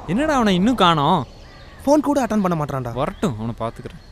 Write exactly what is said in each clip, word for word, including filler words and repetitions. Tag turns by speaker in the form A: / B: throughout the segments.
A: என்னடா அவனை இன்னும் காணோம்?
B: ஃபோன் கூட அட்டன் பண்ண மாட்டான்டா.
A: வரட்டும், அவனை பார்த்துக்கிறேன்.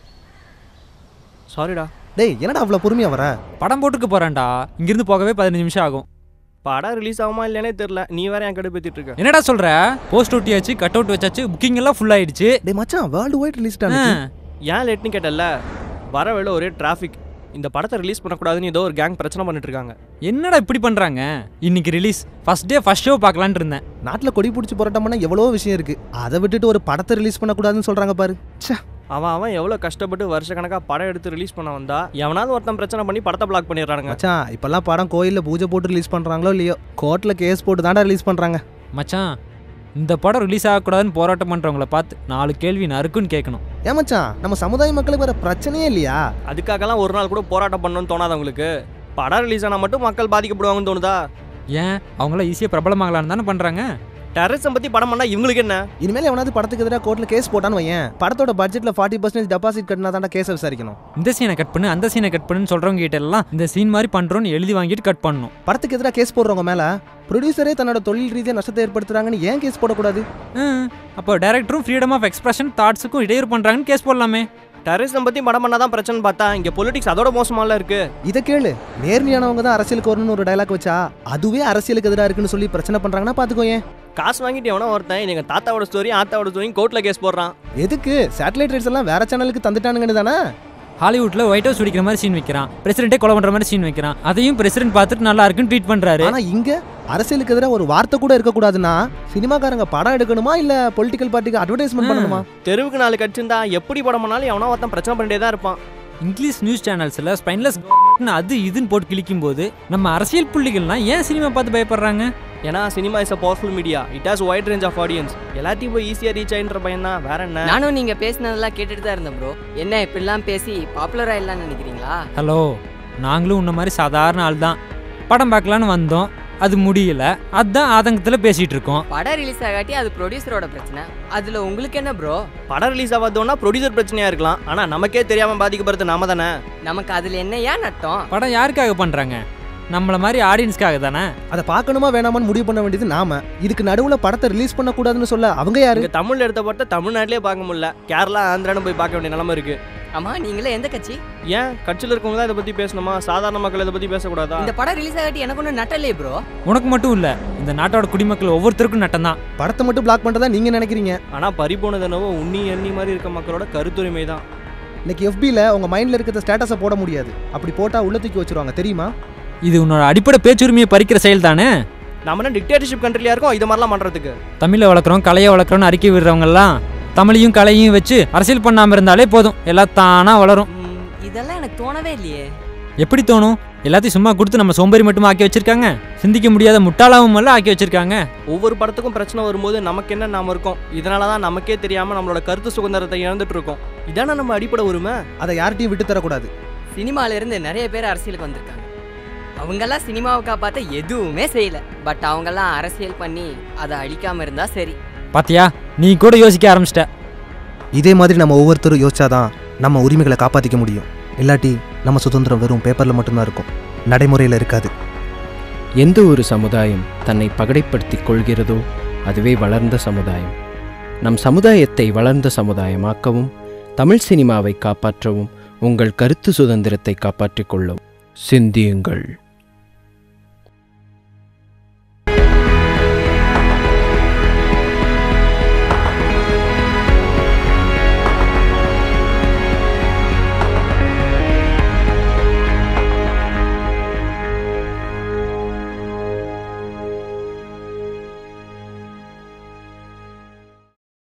C: சாரிடா.
B: டேய் என்னடா அவ்வளோ பொறுமையாக வர?
A: படம் போட்டுக்க போகிறேன்டா. இங்கேருந்து போகவே பதினஞ்சு நிமிஷம் ஆகும்.
C: படம் ரிலீஸ் ஆகுமா இல்லையானே தெரியல. நீ வேற என் கடை பேத்திட்டு இருக்க.
A: என்னடா சொல்கிற? போஸ்ட் ஒட்டியாச்சு, கட் அவுட் வச்சாச்சு, புக்கிங் எல்லாம் ஃபுல் ஆயிடுச்சு.
B: டேய் மச்சான், வேர்ல்டு வைட் ரிலீஸ் தான்.
C: ஏன் லேட்னு கேட்டல, வர வேலை ஒரே டிராஃபிக். இந்த படத்தை ரிலீஸ் பண்ணக்கூடாதுன்னு ஏதோ ஒரு கேங் பிரச்சனை பண்ணிட்டு இருக்காங்க.
A: என்னடா இப்படி பண்ணுறாங்க? இன்னைக்கு release, first day first show பார்க்கலான்னு இருந்தேன்.
B: நாட்டில் கொடி பிடிச்சி போராட்டம் பண்ணால் எவ்வளோ விஷயம் இருக்குது. அதை விட்டுட்டு ஒரு படத்தை ரிலீஸ் பண்ணக்கூடாதுன்னு சொல்கிறாங்க பாரு. சே,
C: அவன் அவன் எவ்வளோ கஷ்டப்பட்டு வருஷ கணக்காக படம் எடுத்து ரிலீஸ் பண்ண வந்தா எவனாவது ஒருத்தன் பிரச்சனை பண்ணி படத்தை பிளாக் பண்ணிடுறாங்க.
B: மச்சான் இப்போல்லாம் படம் கோயிலில் பூஜை போட்டு ரிலீஸ் பண்ணுறாங்களோ இல்லையோ, கோர்ட்டில் கேஸ் போட்டு தாண்டா ரிலீஸ் பண்ணுறாங்க.
A: மச்சான், இந்த படம் ரிலீஸ் ஆகக்கூடாதுன்னு போராட்டம் பண்ணுறவங்கள பார்த்து நாலு கேள்வி நறுக்குன்னு கேட்கணும்.
B: ஏன் மச்சான், நம்ம சமுதாய மக்களுக்கு வேறு பிரச்சனையே இல்லையா?
C: அதுக்காகலாம் ஒரு நாள் கூட போராட்டம் பண்ணணும்னு தோணாதவங்களுக்கு படம் ரிலீஸ் ஆனால் மட்டும் மக்கள் பாதிக்கப்படுவாங்கன்னு தோணுதா?
A: ஏன் அவங்களாம் ஈஸியாக பிரபலமாகலான்னு தானே பண்ணுறாங்க.
C: டெரரிசம் பற்றி படம் பண்ணால் இவங்களுக்கு என்ன?
B: இனிமேல் எவனாவது படத்துக்கு எதிராக கோர்ட்டில் கேஸ் போட்டான்னு வையன், படத்தோட பட்ஜெட்டில் ஃபார்ட்டி பர்சன்டேஜ் டெபாசிட் கட்டினா தாண்டா கேஸை விசாரிக்கணும்.
A: இந்த சீனை கட் பண்ணு, அந்த சீனை கட் பண்ணுன்னு சொல்கிறவங்க கிட்ட எல்லாம் இந்த சீன் மாதிரி பண்ணுறோன்னு எழுதி வாங்கிட்டு கட் பண்ணணும்.
B: படத்துக்கு எதிராக கேஸ் போடுறவங்க மேலே ப்ரொடியூசரே தன்னோட தொழில் ரீதியாக நஷ்டத்தை ஏற்படுத்துறாங்கன்னு ஏன் கேஸ் போடக்கூடாது?
A: அப்போ டைரக்டரும் ஃப்ரீடம் ஆஃப் எக்ஸ்பிரஷன் தாட்ஸுக்கும் இடையூறு பண்ணுறாங்கன்னு கேஸ் போடலாமே.
C: டெரரிசம் பற்றி படம் பண்ணால் தான் பிரச்சனை பார்த்தா இங்கே பொலிட்டிக்ஸ் அதோட மோசமால இருக்கு.
B: இதை கேளு, நேர்மையானவங்க தான் அரசியலுக்கு வரணும்னு ஒரு டைலாக் வச்சா அதுவே அரசியலுக்கு எதிராக இருக்குன்னு சொல்லி பிரச்சனை பண்ணுறாங்கன்னா பார்த்துக்கோ. ஏன்
C: காசு வாங்கிட்டு எவனோ ஒருத்தன் எங்கள் தாத்தாவோட ஸ்டோரி ஆத்தாவோட ஸ்டோரி கோர்ட்டில் கேஸ் போடுறான்.
B: எதுக்கு? சேட்டலைட் ரைட்ஸ் எல்லாம் வேற சேனலுக்கு தந்துட்டானுங்கன்னு தானே.
A: ஹாலிவுட்ல ஒயிட் ஹவுஸ் பிடிக்கிற மாதிரி சீன் வைக்கிறான், பிரசிடென்ட்டே கொலை பண்ற மாதிரி சீன் வைக்கிறான். அதையும் பிரசிடென்ட் பார்த்துட்டு நல்லா இருக்குன்னு ட்வீட் பண்றாரு.
B: ஆனா இங்க அரசியலுக்கு எதிராக ஒரு வார்த்தை கூட இருக்கக்கூடாதுன்னா சினிமாக்காரங்க படம் எடுக்கணுமா இல்ல பொலிட்டிக்கல் பார்ட்டிக்கு அட்வர்டைஸ்மெண்ட் பண்ணணுமா?
C: தெருவுக்கு நாலு கட்சிருந்தா எப்படி படம் பண்ணாலும் எவனோ ஒருத்தன் பிரச்சனை பண்ணிட்டே தான் இருப்பான்.
A: இங்கிலீஷ் நியூஸ் சேனல்ஸ்ல ஸ்பைன்லெஸ் அது இதுன்னு போட்டு கிளிக்கும் போது நம்ம அரசியல் புள்ளிகள்லாம் ஏன் சினிமா பார்த்து பயப்படுறாங்க?
C: ஏன்னா cinema is a powerful media. It has wide range of audience. எல்லாத்தையும் போய் ஈஸியாக ரீச் ஆகின்ற பையன் தான். வேற என்ன?
D: நானும் நீங்க பேசினதெல்லாம் கேட்டுட்டு தான் இருந்தேன் ப்ரோ. என்ன இப்படிலாம் பேசி பாப்புலர் ஆயிடலாம்னு நினைக்கிறீங்களா?
A: ஹலோ, நாங்களும் உன்ன மாதிரி சாதாரண ஆள் தான். படம் பார்க்கலான்னு வந்தோம், அது முடியல, அதான் ஆதங்கத்தில் பேசிட்டு இருக்கோம்.
D: படம் ரிலீஸ் ஆகாட்டி அது ப்ரொடியூசரோட பிரச்சனை. அதுல உங்களுக்கு என்ன ப்ரோ?
C: படம் ரிலீஸ் ஆகாதோன்னா ப்ரொடியூசர் பிரச்சனையா இருக்கலாம். ஆனா நமக்கே தெரியாம பாதிக்கப்படுறது நாம தானே.
D: நமக்கு அதுல என்ன ஏன் நட்டம்?
A: படம் யாருக்காக பண்றாங்க? நம்மள மாதிரி ஆடியன்ஸ்க்காக தானே.
B: அதை பார்க்கணுமா வேணாமான்னு முடிவு பண்ண வேண்டியது நாம. இதுக்கு நடுவில் படத்தை ரிலீஸ் பண்ணக்கூடாதுன்னு சொல்ல அவங்க யாரு?
C: தமிழ் எடுத்த படத்தை தமிழ்நாட்டிலே பார்க்க முடியல, கேரளா ஆந்திரான்னு போய் பார்க்க வேண்டிய நிலைமை இருக்கு.
D: ஆமா, நீங்களே எந்த கட்சி?
C: ஏன் கட்சியில் இருக்கவங்க தான் இதை பத்தி பேசணுமா? சாதாரண மக்கள் இதை பத்தி பேசக்கூடாதா?
D: இந்த படம் ரிலீஸ் ஆகாட்டி எனக்கு ஒன்றும் நட்டலே ப்ரோ.
A: உனக்கு மட்டும் இல்ல, இந்த நாட்டோட குடிமக்கள் ஒவ்வொருத்தருக்கும் நட்டம் தான்.
B: படத்தை மட்டும் பிளாக் பண்றதா நீங்க நினைக்கிறீங்க.
C: ஆனா பறிபோனது என்னவோ உன்னி எண்ணி மாதிரி இருக்க மக்களோட கருத்துரிமை தான்.
B: இன்னைக்கு எஃபில உங்க மைண்ட்ல இருக்கிற ஸ்டேட்டஸை போட முடியாது. அப்படி போட்டா உள்ள தூக்கி வச்சிருவாங்க தெரியுமா?
A: இது உன்னோட அடிப்படை பேச்சுரிமையை பறிக்கிற செயல் தானே.
C: நம்ம என்ன டிக்டேட்டர்ஷிப் கண்ட்ரியா இருக்கோம் இது மாதிரிலாம் பண்றதுக்கு?
A: தமிழை வளர்க்குறோம், கலையை வளர்க்குறோம்னு அறிக்கை விடுறவங்கலாம் தமிழையும் கலையும் வச்சு அரசியல் பண்ணாம இருந்தாலே போதும், எல்லாம் தானா வளரும்.
D: இதெல்லாம் எனக்கு தோணவே இல்லையே.
A: எப்படி தோணும்? எல்லாத்தையும் சும்மா கொடுத்து நம்ம சோம்பேறி மட்டும் ஆக்கி வச்சிருக்காங்க, சிந்திக்க முடியாத முட்டாளாவும் எல்லாம் ஆக்கி வச்சிருக்காங்க.
C: ஒவ்வொரு படத்துக்கும் பிரச்சனை வரும்போது நமக்கு என்ன நாம இருக்கோம், இதனாலதான் நமக்கே தெரியாம நம்மளோட கருத்து சுதந்திரத்தை இழந்துட்டு இருக்கோம். இதான நம்ம அடிப்படை உரிமை.
B: அதை யார்கிட்டையும் விட்டு தரக்கூடாது.
D: சினிமால இருந்து நிறைய பேர் அரசியலுக்கு வந்திருக்காங்க. அவங்கெல்லாம் சினிமாவை காப்பாற்ற எதுவுமே செய்யல. பட் அவங்கெல்லாம் அரசியல் பண்ணி அதை அழிக்காம இருந்தா சரி.
A: பாத்தியா, நீ கூட யோசிக்க ஆரம்பிச்சிட்ட.
B: இதே மாதிரி நம்ம ஒவ்வொருத்தரும் யோசிச்சாதான் நம்ம உரிமைகளை காப்பாற்றிக்க முடியும். இல்லாட்டி நம்ம சுதந்திரம் வெறும் பேப்பரில் மட்டும்தான் இருக்கும், நடைமுறையில் இருக்காது.
E: எந்த ஒரு சமுதாயம் தன்னை பகடைப்படுத்திக் கொள்கிறதோ அதுவே வளர்ந்த சமுதாயம். நம் சமுதாயத்தை வளர்ந்த சமுதாயமாக்கவும் தமிழ் சினிமாவை காப்பாற்றவும் உங்கள் கருத்து சுதந்திரத்தை காப்பாற்றிக் கொள்ளவும் சிந்தியுங்கள்.